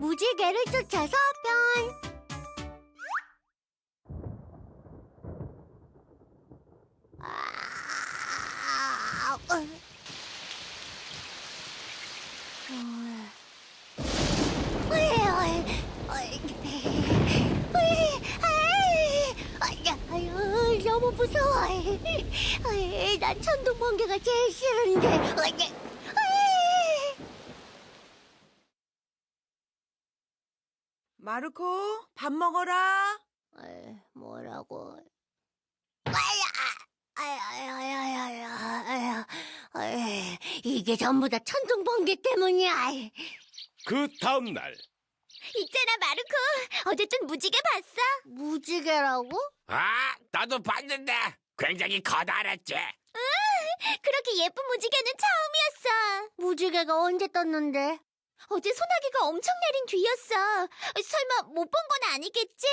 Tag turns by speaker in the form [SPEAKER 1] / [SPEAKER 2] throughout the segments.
[SPEAKER 1] 무지개를 쫓아서 편. 너무 무서워. 난 천둥 번개가 제일 싫은데.
[SPEAKER 2] 마르코, 밥 먹어라.
[SPEAKER 1] 뭐라고? 이게 전부 다 천둥 번개 때문이야.
[SPEAKER 3] 그 다음 날.
[SPEAKER 1] 있잖아, 마르코. 어쨌든 무지개 봤어? 무지개라고?
[SPEAKER 4] 아, 나도 봤는데 굉장히 커다랬지.
[SPEAKER 1] 그렇게 예쁜 무지개는 처음이었어. 무지개가 언제 떴는데? 어제 소나기가 엄청 내린 뒤였어. 설마 못 본 건 아니겠지?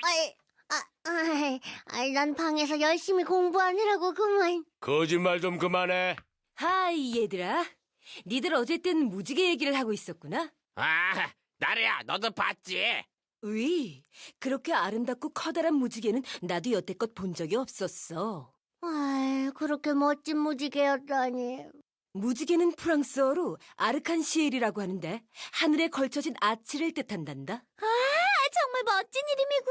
[SPEAKER 1] 난 방에서 열심히 공부하느라고 그만.
[SPEAKER 3] 거짓말 좀 그만해.
[SPEAKER 2] 하이, 얘들아. 니들 어쨌든 무지개 얘기를 하고 있었구나.
[SPEAKER 4] 아, 나래야, 너도 봤지?
[SPEAKER 2] 으이, 그렇게 아름답고 커다란 무지개는 나도 여태껏 본 적이 없었어.
[SPEAKER 1] 그렇게 멋진 무지개였다니.
[SPEAKER 2] 무지개는 프랑스어로 아르칸시엘이라고 하는데 하늘에 걸쳐진 아치를 뜻한단다.
[SPEAKER 1] 정말 멋진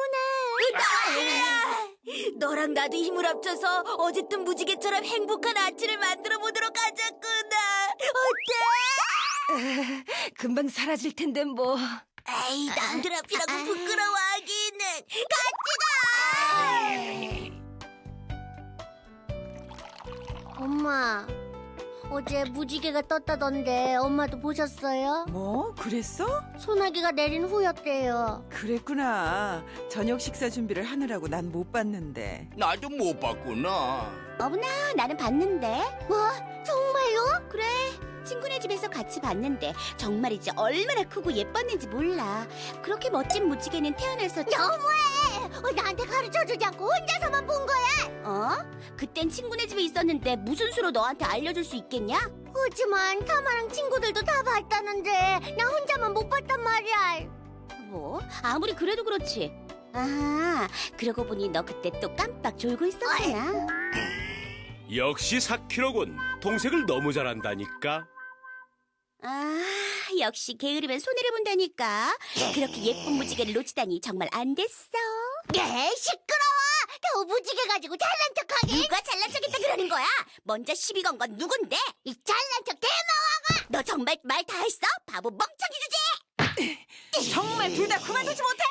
[SPEAKER 1] 이름이구나.
[SPEAKER 2] 너랑 나도 힘을 합쳐서 어쨌든 무지개처럼 행복한 아치를 만들어 보도록 하자꾸나. 어때? 금방 사라질 텐데 뭐.
[SPEAKER 1] 에이, 남들 앞이라고 부끄러워하기는. 엄마, 어제 무지개가 떴다던데 엄마도 보셨어요?
[SPEAKER 5] 뭐? 그랬어?
[SPEAKER 1] 소나기가 내린 후였대요.
[SPEAKER 5] 그랬구나. 저녁 식사 준비를 하느라고 난 못 봤는데.
[SPEAKER 4] 나도 못 봤구나.
[SPEAKER 1] 어머나, 나는 봤는데. 뭐? 정말요? 그래. 친구네 집에서 같이 봤는데 정말이지 얼마나 크고 예뻤는지 몰라. 그렇게 멋진 무지개는 태어나서 너무해! 나한테 가르쳐주지 않고 혼자서만 본 거야. 그땐 친구네 집에 있었는데 무슨 수로 너한테 알려줄 수 있겠냐? 그렇지만 타마랑 친구들도 다 봤다는데 나 혼자만 못 봤단 말이야. 뭐? 아무리 그래도 그렇지. 그러고 보니 너 그때 또 깜빡 졸고 있었구나.
[SPEAKER 3] 역시 사키로군. 동생을 너무 잘한다니까.
[SPEAKER 1] 역시 게으르면 손해를 본다니까. 그렇게 예쁜 무지개를 놓치다니 정말 안 됐어. 시끄러워. 더 무지개 가지고 잘난 척하기. 누가 잘난 척했다 그러는 거야? 먼저 시비 건 건 누군데? 이 잘난 척 대마왕아. 너 정말 말 다 했어? 바보 멍청이 주제.
[SPEAKER 5] 정말 둘 다 그만두지 못해?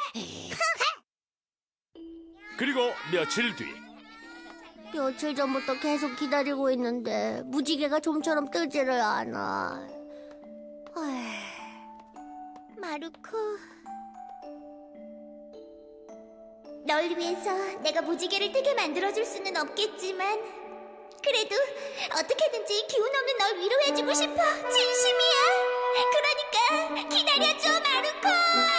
[SPEAKER 3] 그리고 며칠 뒤.
[SPEAKER 1] 며칠 전부터 계속 기다리고 있는데 무지개가 좀처럼 뜨지를 않아. 마르코, 널 위해서 내가 무지개를 뜨게 만들어줄 수는 없겠지만 그래도 어떻게든지 기운 없는 널 위로해주고 싶어. 진심이야. 그러니까 기다려줘, 마르코.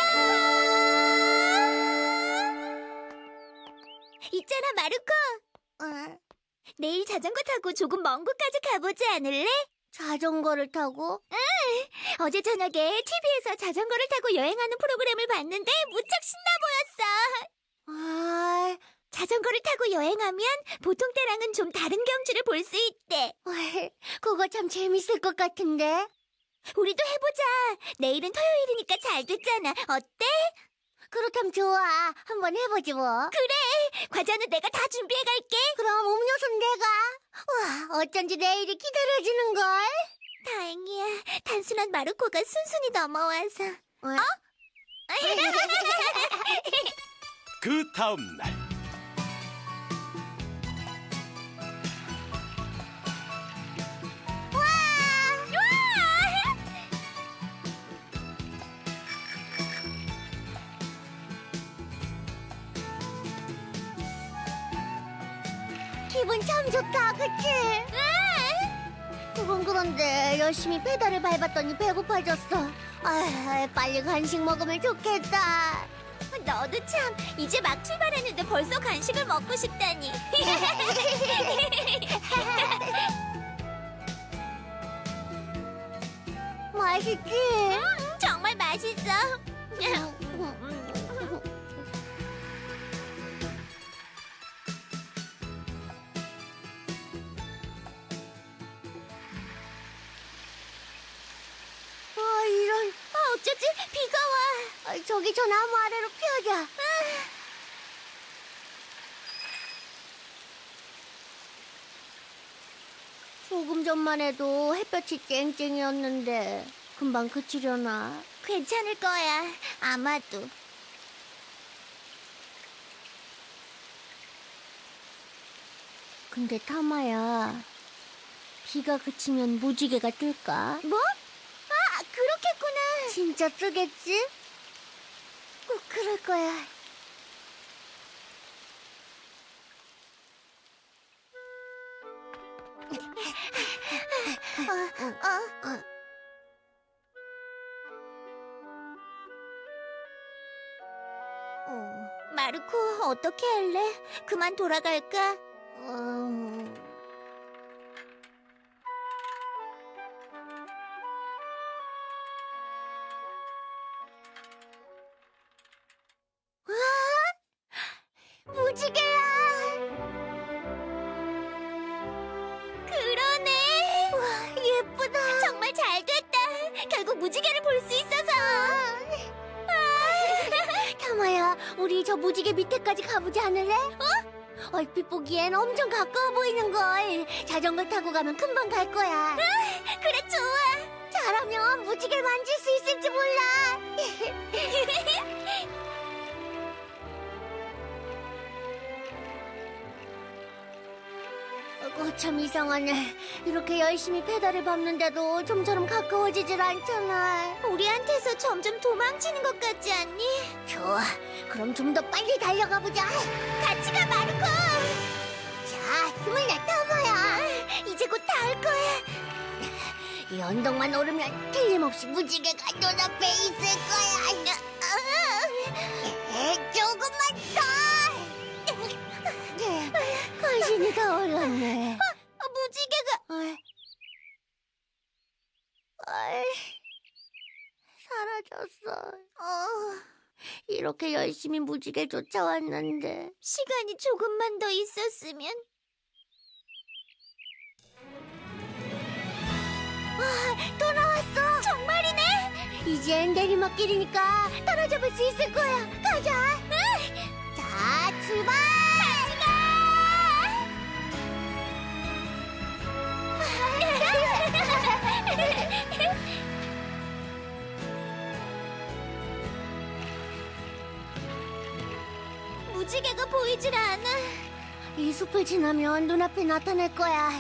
[SPEAKER 1] 있잖아, 마르코. 내일 자전거 타고 조금 먼 곳까지 가보지 않을래? 자전거를 타고? 응! 어제 저녁에 TV에서 자전거를 타고 여행하는 프로그램을 봤는데 무척 신나 보였어. 자전거를 타고 여행하면 보통 때랑은 좀 다른 경치를 볼 수 있대. 그거 참 재밌을 것 같은데? 우리도 해보자. 내일은 토요일이니까 잘 됐잖아. 어때? 그렇다면 좋아. 한번 해보지 뭐. 그래. 과자는 내가 다 준비해갈게. 그럼 음료수는 내가. 와, 어쩐지 내일이 기다려지는걸. 다행이야. 단순한 마르코가 순순히 넘어와서.
[SPEAKER 3] 그 다음 날.
[SPEAKER 1] 기분 참 좋다, 그치? 그건 그런데 열심히 페달을 밟았더니 배고파졌어. 빨리 간식 먹으면 좋겠다. 너도 참 이제 막 출발했는데 벌써 간식을 먹고 싶다니. 맛있지? 정말 맛있어. 이런. 어쩌지? 비가 와. 저기 저 나무 아래로 피하자. 조금 전만 해도 햇볕이 쨍쨍이었는데 금방 그치려나? 괜찮을 거야. 아마도. 근데 타마야, 비가 그치면 무지개가 뜰까? 뭐? 아, 그렇겠구나. 진짜 뜨겠지? 꼭 그럴 거야. 마르코, 어떻게 할래? 그만 돌아갈까? 무지개야! 그러네! 와, 예쁘다! 정말 잘 됐다! 결국 무지개를 볼 수 있어서! 타마야, 우리 저 무지개 밑에까지 가보지 않을래? 얼핏 보기엔 엄청 가까워 보이는걸. 자전거 타고 가면 금방 갈 거야. 그래, 좋아! 잘하면 무지개를 만질 수 있을지 몰라! 참 이상하네. 이렇게 열심히 페달을 밟는데도 좀처럼 가까워지질 않잖아. 우리한테서 점점 도망치는 것 같지 않니? 좋아. 그럼 좀 더 빨리 달려가 보자. 같이 가, 마르코. 자, 힘을 내, 타마야. 이제 곧 닿을 거야. 이 언덕만 오르면 틀림없이 무지개가 눈앞에 있을 거야. 조금만 더. 간신히 다 올랐네. 무지개가 사라졌어. 이렇게 열심히 무지개 쫓아왔는데 시간이 조금만 더 있었으면. 또 나왔어. 정말이네. 이젠 내리막길이니까 따라잡을 수 있을 거야. 가자. 자, 출발. 무지개가 보이질 않아. 이 숲을 지나면 눈앞에 나타날 거야.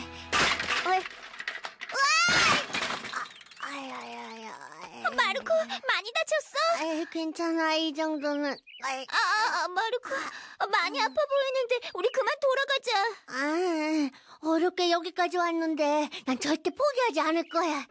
[SPEAKER 1] 마르코, 많이 다쳤어? 괜찮아, 이 정도는. 마르코, 많이 아파 보이는데 우리 그만 돌아가자. 어렵게 여기까지 왔는데 난 절대 포기하지 않을 거야.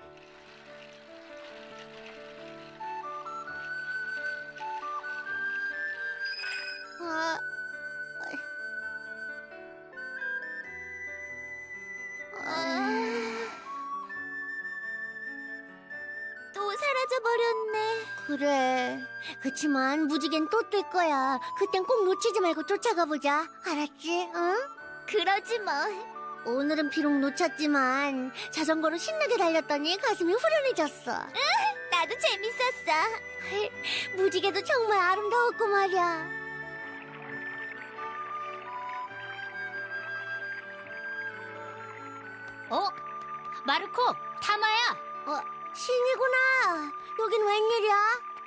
[SPEAKER 1] 또 사라져버렸네. 그래. 그치만 무지개는 또 뜰 거야. 그땐 꼭 놓치지 말고 쫓아가 보자. 알았지? 응? 그러지 뭐. 오늘은 비록 놓쳤지만 자전거로 신나게 달렸더니 가슴이 후련해졌어. 나도 재밌었어. 무지개도 정말 아름다웠고 말이야.
[SPEAKER 2] 마르코, 타마야.
[SPEAKER 1] 신이구나. 여긴 웬일이야?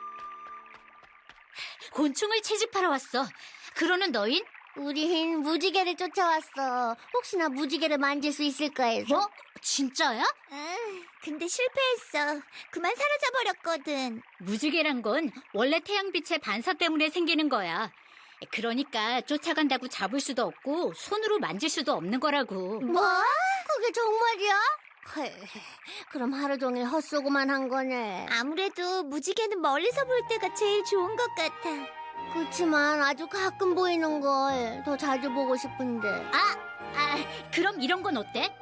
[SPEAKER 2] 곤충을 채집하러 왔어. 그러는 너흰?
[SPEAKER 1] 우린 무지개를 쫓아왔어. 혹시나 무지개를 만질 수 있을까 해서.
[SPEAKER 2] 뭐? 진짜야?
[SPEAKER 1] 근데 실패했어. 그만 사라져버렸거든.
[SPEAKER 2] 무지개란 건 원래 태양빛의 반사 때문에 생기는 거야. 그러니까 쫓아간다고 잡을 수도 없고 손으로 만질 수도 없는 거라고.
[SPEAKER 1] 뭐? 그게 정말이야? 그럼 하루 종일 헛쏘고만 한 거네. 아무래도 무지개는 멀리서 볼 때가 제일 좋은 것 같아. 그렇지만 아주 가끔 보이는 걸 더 자주 보고 싶은데.
[SPEAKER 2] 그럼 이런 건 어때?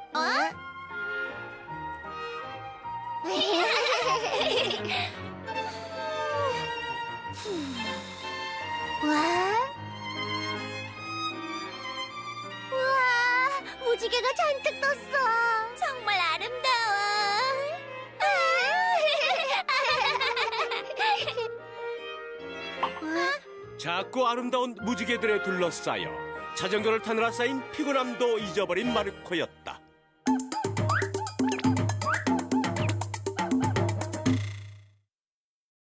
[SPEAKER 1] 무지개가 잔뜩 떴어. 정말 아름다워.
[SPEAKER 3] 작고 아름다운 무지개들에 둘러싸여 자전거를 타느라 쌓인 피곤함도 잊어버린 마르코였다.